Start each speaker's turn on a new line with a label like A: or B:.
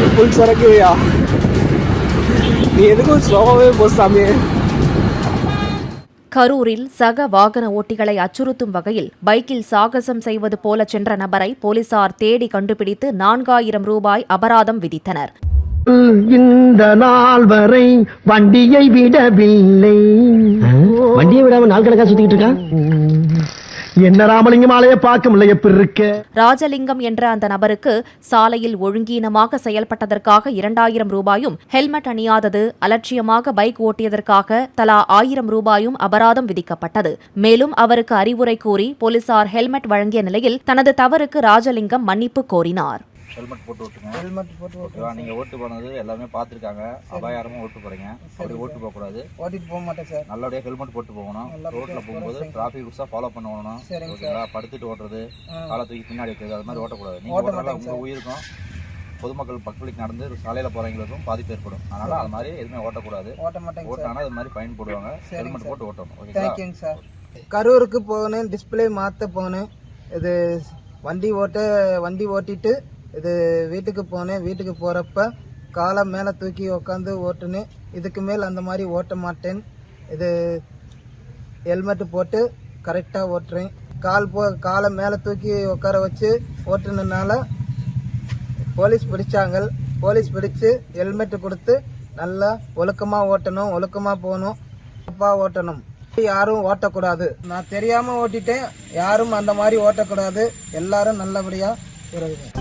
A: Full சரக்குயா. நீ எதுக்கும் ஸ்லோவாகவே போசாமே.
B: கரூரில் சக வாகன ஓட்டிகளை அச்சுறுத்தும் வகையில் பைக்கில் சாகசம் செய்வது போல சென்ற நபரை போலீசார் தேடி கண்டுபிடித்து 4000 ரூபாய் அபராதம் விதித்தனர்.
C: இந்த நாள் வரை வண்டியை விடவில்லை. வண்டியை விடாம நாள் கணக்கா சுத்திக்கிட்டு இருக்கா. என்ன ராமலிங்கம் ஆலைய பார்க்க முடியல எப்படி இருக்க.
B: ராஜலிங்கம் என்ற அந்த நபருக்கு சாலையில் ஒழுங்கீனமாக செயல்பட்டதற்காக 2000 ரூபாயும், ஹெல்மெட் அணியாதது, அலட்சியமாக பைக் ஓட்டியதற்காக தலா 1000 ரூபாயும் அபராதம் விதிக்கப்பட்டது. மேலும் அவருக்கு அறிவுரை கூறி போலீசார் ஹெல்மெட் வழங்கிய நிலையில் தனது தவறுக்கு ராஜலிங்கம் மன்னிப்பு கோரினார்.
D: ஹெல்மெட் போட்டு ஓட்டுங்க. ஹெல்மெட் போட்டு ஓட்டுவா. நீங்கள் ஓட்டு போனது எல்லாமே பார்த்துருக்காங்க. அபாயாரமாக ஓட்டு போகிறீங்க. அப்படி ஓட்டு போகக்கூடாது. ஓட்டிட்டு போக மாட்டேன் சார். நல்லபடியாக ஹெல்மெட் போட்டு போகணும். ரோட்டில் போகும்போது டிராஃபிக் ரூல்ஸாக ஃபாலோ பண்ணணும். ஓகேங்களா? படுத்துட்டு ஓட்டுறது, காலை தூக்கி பின்னாடி வைக்கிறது, அது மாதிரி ஓட்டக்கூடாது. நீங்கள் ஓட்டுறதால உங்கள் உயிருக்கும் பொதுமக்கள் பப்ளிக் நடந்து சாலையில் போகிறவங்களுக்கும் பாதிப்பு ஏற்படும். அதனால் அது மாதிரி எதுவுமே ஓட்டக்கூடாது. ஓட்டினா அது மாதிரி ஃபைன் போடுவாங்க. ஹெல்மெட் போட்டு ஓட்டணும். ஓகேங்களா சார்?
E: கரூருக்கு போகணும், டிஸ்பிளே மாற்ற போகணும். இது வண்டி ஓட்டிட்டு இது வீட்டுக்கு போனேன். வீட்டுக்கு போகிறப்ப காலை மேலே தூக்கி உக்காந்து ஓட்டுனேன். இதுக்கு மேல் அந்த மாதிரி ஓட்ட மாட்டேன். இது ஹெல்மெட்டு போட்டு கரெக்டாக ஓட்டுறேன். காலை மேலே தூக்கி உட்கார வச்சு ஓட்டுனதுனால போலீஸ் பிடிச்சாங்க. போலீஸ் பிடிச்சு ஹெல்மெட்டு கொடுத்து நல்லா ஒழுக்கமாக ஓட்டணும், ஒழுக்கமாக போகணும், தப்பாக ஓட்டணும். யாரும் ஓட்டக்கூடாது. நான் தெரியாமல் ஓட்டிட்டேன். யாரும் அந்த மாதிரி ஓட்டக்கூடாது. எல்லாரும் நல்லபடியாக இருங்க.